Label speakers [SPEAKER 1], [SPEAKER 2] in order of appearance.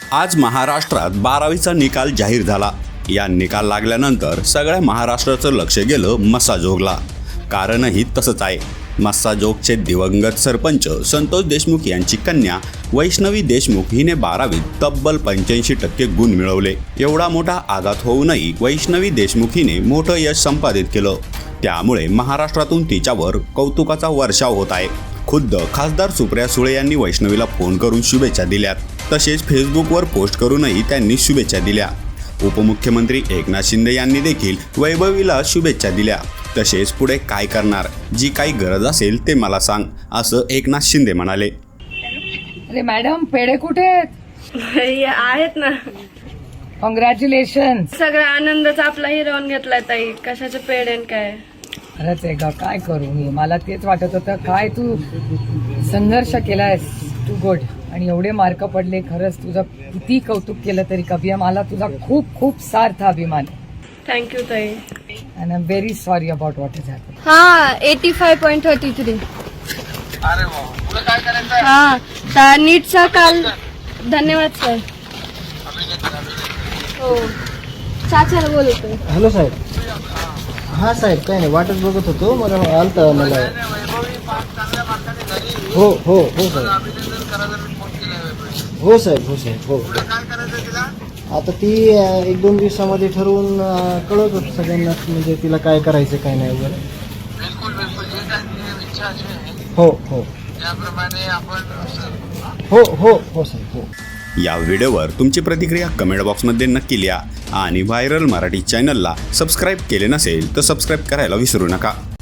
[SPEAKER 1] आज महाराष्ट्रात 12वीचा निकाल जाहीर झाला। या निकाल लागल्यानंतर सगळ्या महाराष्ट्राचं लक्ष गेलं मस्साजोगला। कारणही तसंच आहे। मस्साजोगचे दिवंगत सरपंच संतोष देशमुख यांची कन्या वैष्णवी देशमुख हिने 12वीत तब्बल 85% गुण मिळवले। एवढा मोठा आघात होऊनही वैष्णवी देशमुख हिने मोठं यश संपादित केलं। त्यामुळे महाराष्ट्रातून तिच्यावर कौतुकाचा वर्षाव होत आहे। खुद्द खासदार सुप्रिया सुळे यांनी वैष्णवीला फोन करून शुभेच्छा दिल्यात। तसेच फेसबुकवर पोस्ट करूनही त्यांनी शुभेच्छा दिल्या। उपमुख्यमंत्री एकनाथ शिंदे यांनी देखील वैभवीला शुभेच्छा दिल्या। तसेच पुढे काय करणार, जी काही गरज असेल ते मला सांग, असं एकनाथ शिंदे म्हणाले।
[SPEAKER 2] अरे मॅडम, पेढे कुठे
[SPEAKER 3] आहेत ना।
[SPEAKER 2] कॉंग्रॅच्युलेशन।
[SPEAKER 3] सगळा आनंदच आपला हिरावून घेतलाय ताई, कशाचे पेढे काय।
[SPEAKER 2] खरंच आहे का, काय करू मी, मला तेच वाटत होतं। काय तू संघर्ष केलायस, टू गुड, आणि एवढे मार्क पडले। खरंच तुझं किती कौतुक केलं तरी कभी, मला तुझा खूप खूप सार्थ अभिमान।
[SPEAKER 3] थँक्यू ताई,
[SPEAKER 2] and I'm very sorry about what is happen.
[SPEAKER 3] हा 85.33।
[SPEAKER 4] अरे वा, पुढे काय करायचं?
[SPEAKER 3] हा नीटचा काल, धन्यवाद सर। हो, चाचाला बोलतोय।
[SPEAKER 5] हॅलो साहेब। हां साहेब, काय नाही, वाटच बघत होतो, मला आलता मला। हो हो हो साहेब, हो साहेब, हो साहेब, हो। आता ती 1-2 दिवसामध्ये ठरवून कळवत होतं सगळ्यांना, म्हणजे तिला काय करायचं काय नाही वगैरे।
[SPEAKER 4] बिलकुल बिलकुल, जे काही इच्छा असेल
[SPEAKER 5] हो हो
[SPEAKER 4] त्याप्रमाणे आपण
[SPEAKER 5] हो हो हो साहेब, हो।
[SPEAKER 1] या व्हिडिओवर तुमची प्रतिक्रिया कमेंट बॉक्समध्ये नक्की लिहा आणि व्हायरल मराठी चॅनलला सबस्क्राईब केले नसेल तर सबस्क्राईब करायला विसरू नका।